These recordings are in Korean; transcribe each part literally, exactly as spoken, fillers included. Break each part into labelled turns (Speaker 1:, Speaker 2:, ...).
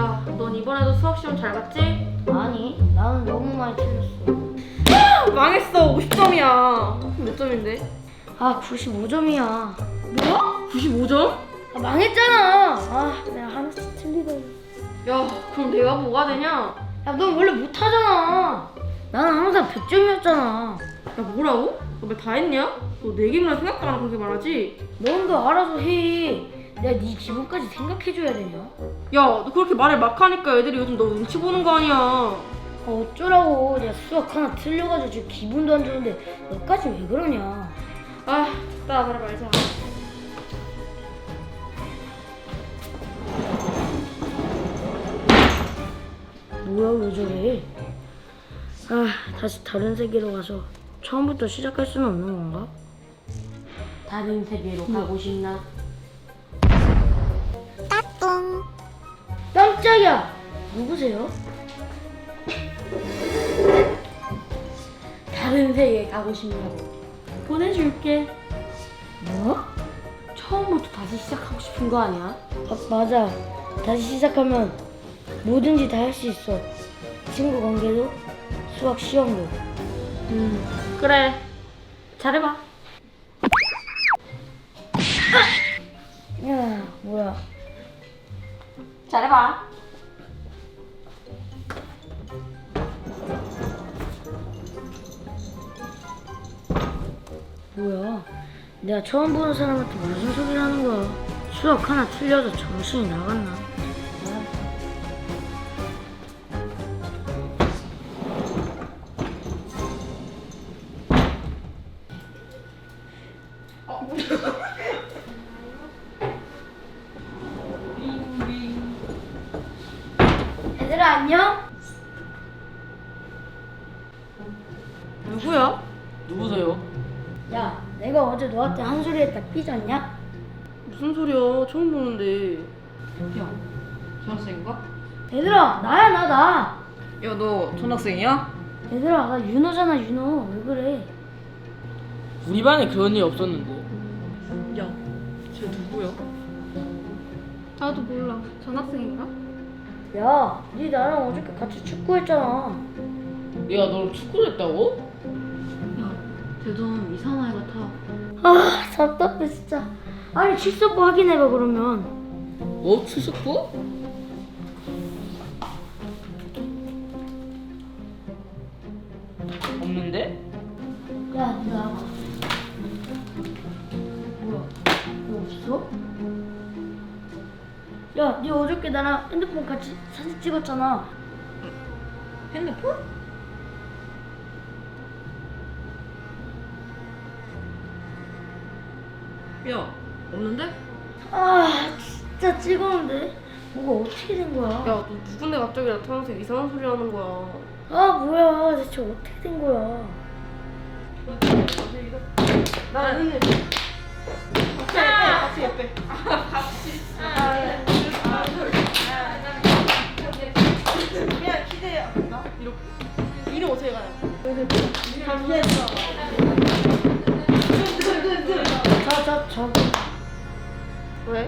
Speaker 1: 야, 넌 이번에도 수학 시험 잘 봤지?
Speaker 2: 아니, 나는 너무 많이 틀렸어.
Speaker 1: 망했어. 오십 점이야. 몇 점인데?
Speaker 2: 아, 구십오 점이야.
Speaker 1: 뭐야? 구십오 점?
Speaker 2: 아, 망했잖아. 아, 내가 하나씩 틀리더니.
Speaker 1: 야, 그럼 내가 뭐가 되냐?
Speaker 2: 야, 넌 원래 못하잖아. 나는 항상 백 점이었잖아.
Speaker 1: 야, 뭐라고? 너 왜 다 했냐? 너 내 기분을 생각도 안 하고 그렇게 말하지?
Speaker 2: 넌 더 알아서 해. 내가 네 기분까지 생각해줘야 되냐?
Speaker 1: 야, 너 그렇게 말을 막 하니까 애들이 요즘 너 눈치 보는 거 아니야.
Speaker 2: 아, 어쩌라고. 내가 수학 하나 틀려가지고 지금 기분도 안 좋은데 너까지 왜 그러냐?
Speaker 1: 아, 나 말을 말자.
Speaker 2: 뭐야, 왜 저래? 아, 다시 다른 세계로 가서 처음부터 시작할 수는 없는 건가? 다른 세계로 가고 싶나? 따뚱. 깜짝이야. 누구세요? 다른 세계 가고 싶냐고.
Speaker 1: 보내줄게.
Speaker 2: 뭐?
Speaker 1: 처음부터 다시 시작하고 싶은 거 아니야?
Speaker 2: 아, 맞아. 다시 시작하면 뭐든지 다 할 수 있어. 친구 관계도, 수학 시험도.
Speaker 1: 음, 그래. 잘해봐.
Speaker 2: 야, 뭐야?
Speaker 1: 잘해봐.
Speaker 2: 뭐야? 내가 처음 보는 사람한테 무슨 소리를 하는 거야? 수학 하나 틀려서 정신이 나갔나? 얘들아, 안녕?
Speaker 1: 누구야?
Speaker 3: 누구세요?
Speaker 2: 야, 내가 어제 너한테 한 소리 했다 삐졌냐?
Speaker 1: 무슨 소리야? 처음 보는데.
Speaker 3: 야, 전학생인가?
Speaker 2: 얘들아, 나야, 나, 나.
Speaker 3: 야, 너 전학생이야?
Speaker 2: 얘들아, 나 윤호잖아, 윤호. 왜 그래?
Speaker 3: 우리 반에 그런 일 없었는데.
Speaker 1: 야, 쟤 누구야? 나도 몰라. 전학생인가?
Speaker 2: 야, 네 나랑 어저께 같이 축구했잖아.
Speaker 3: 내가 너를 축구를 했다고?
Speaker 1: 야, 쟤 좀 이상한 애 같아.
Speaker 2: 아, 답답해 진짜. 아니, 출석부 확인해봐 그러면.
Speaker 3: 뭐? 출석부? 없는데?
Speaker 2: 야, 니 나와봐. 뭐야? 너 없어? 야, 니 어저께 나랑 핸드폰 같이 사진 찍었잖아.
Speaker 3: 핸드폰?
Speaker 1: 야, 없는데?
Speaker 2: 아, 진짜 찍었는데. 뭐가 어떻게 된 거야?
Speaker 1: 야, 너 누군데 갑자기 나타나서 이상한 소리 하는 거야.
Speaker 2: 아, 뭐야? 대체 어떻게 된 거야?
Speaker 1: 나는 같이 같이 예빼. 그냥 기대야. 이렇게. 이름 어떻게 가요?
Speaker 2: 저, 저, 저기.
Speaker 1: 왜?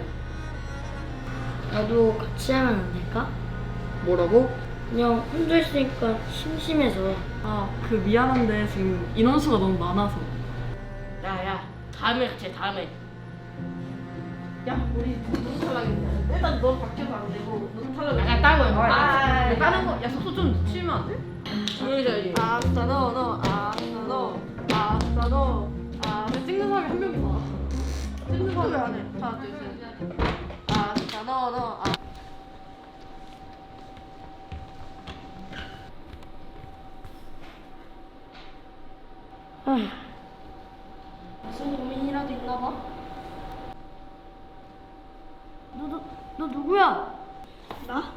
Speaker 2: 나도 같이 하면 안 될까?
Speaker 1: 뭐라고?
Speaker 2: 그냥 혼자 있으니까 심심해서.
Speaker 4: 아, 그 미안한데 지금 인원수가 너무 많아서.
Speaker 3: 야야, 다음에 같이 해, 다음에.
Speaker 1: 야, 우리 누구 탈락이냐? 일단 넌 바뀌어도 안 되고 누구 탈락이야?
Speaker 3: 야, 다른 거야.
Speaker 1: 아,
Speaker 4: 아, 다른 거, 야, 속도 좀 늦추면 안 돼?
Speaker 3: 조용히 해야지.
Speaker 1: 아싸 너, 너, 아싸 너, 아싸 너, 아.
Speaker 4: 근데 찍는 사람이 한 명이 많아.
Speaker 1: 찍는 거 왜 안 해? 하나, 둘, 셋. 아싸 너, 너, 아.
Speaker 2: 아, 무슨 고민이라도 있나 봐? 너, 너, 너 누구야?
Speaker 1: 나?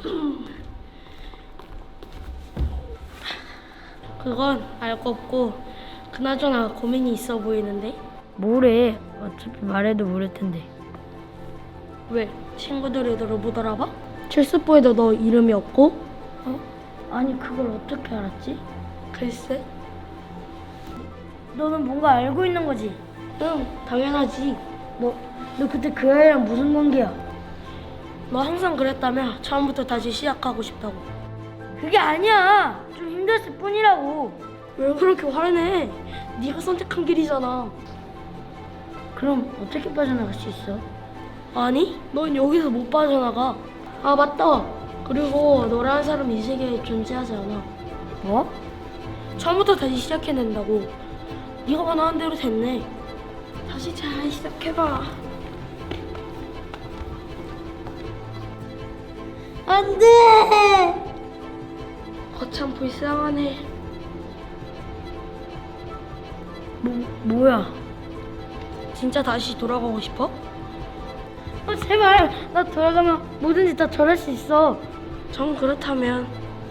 Speaker 2: 그건 알 거 없고 그나저나 고민이 있어 보이는데? 뭐래? 어차피 말해도 모를 텐데. 왜? 친구들이 너를 못 알아봐? 출석부에도 너 이름이 없고? 어? 아니 그걸 어떻게 알았지? 글쎄. 너는 뭔가 알고 있는 거지? 응, 당연하지. 너, 너 그때 그 아이랑 무슨 관계야? 너 항상 그랬다며 처음부터 다시 시작하고 싶다고. 그게 아니야. 좀 힘들었을 뿐이라고. 왜 그렇게 화를 내? 네가 선택한 길이잖아. 그럼 어떻게 빠져나갈 수 있어? 아니, 넌 여기서 못 빠져나가. 아, 맞다. 그리고 너라는 사람이 이 세계에 존재하지 않아. 뭐? 처음부터 다시 시작해야 된다고. 네가 원하는 대로 됐네. 다시 잘 시작해봐. 안 돼! 거참 불쌍하네. 뭐, 뭐야? 진짜 다시 돌아가고 싶어? 어, 제발! 나 돌아가면 뭐든지 다 잘할 수 있어. 정 그렇다면.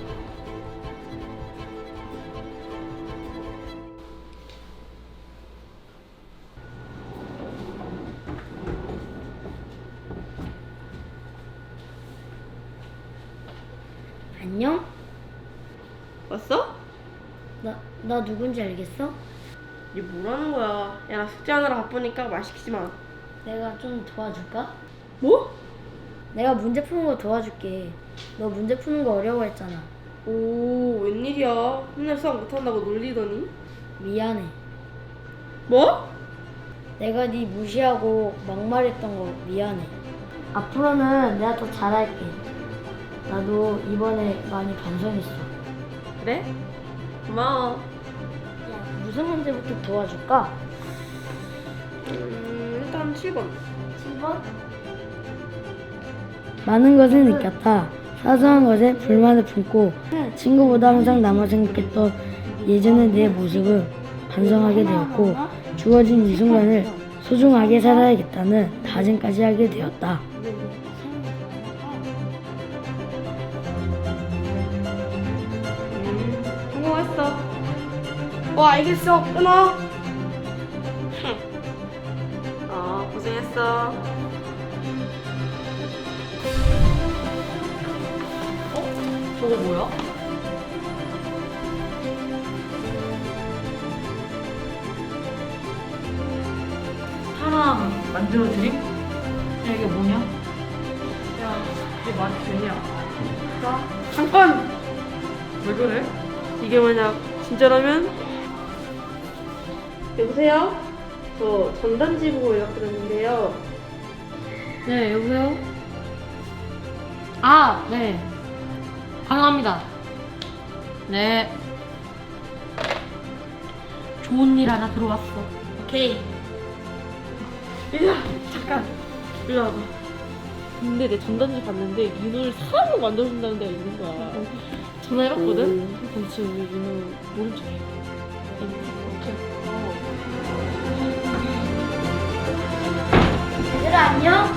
Speaker 2: 안녕?
Speaker 1: 왔어?
Speaker 2: 나, 나 누군지 알겠어?
Speaker 1: 얘 뭐라는 거야? 야, 나 숙제하느라 바쁘니까 말 시키지 마.
Speaker 2: 내가 좀 도와줄까?
Speaker 1: 뭐?
Speaker 2: 내가 문제 푸는 거 도와줄게. 너 문제 푸는 거 어려워했잖아.
Speaker 1: 오, 웬일이야? 맨날 수학 못한다고 놀리더니?
Speaker 2: 미안해.
Speaker 1: 뭐?
Speaker 2: 내가 네 무시하고 막말했던 거 미안해. 앞으로는 내가 더 잘할게. 나도 이번에 많이 반성했어.
Speaker 1: 그래? 고마워.
Speaker 2: 야, 무슨 문제부터 도와줄까?
Speaker 1: 음, 일단 칠 번.
Speaker 2: 칠 번? 많은 것을 느꼈다. 사소한 것에 불만을 품고 친구보다 항상 남아 생각했던 예전의 내 모습을 반성하게 되었고 주어진 이 순간을 소중하게 살아야겠다는 다짐까지 하게 되었다.
Speaker 1: 음, 성공했어. 어, 알겠어. 끊어. 어, 고생했어.
Speaker 3: 저거 뭐야? 사람 만들어 드림? 야 이게 뭐냐? 야 이게 말이 되냐?
Speaker 1: 자, 잠깐!
Speaker 3: 왜 그래?
Speaker 1: 이게 만약 진짜라면? 여보세요? 저 전단지 보고 연락드렸는데요.
Speaker 3: 네 여보세요? 아 네 가능합니다. 네 좋은 일 하나 들어왔어.
Speaker 2: 오케이.
Speaker 1: 얘들아, 잠깐. 일로 와봐. 근데 내 전단지 봤는데 민호를 사람으로 만들어준다는 데가 있는 거야. 전화해봤거든? 근데 지금 우리 민호 모른 척해. 오케이. 어.
Speaker 2: 얘들아 안녕?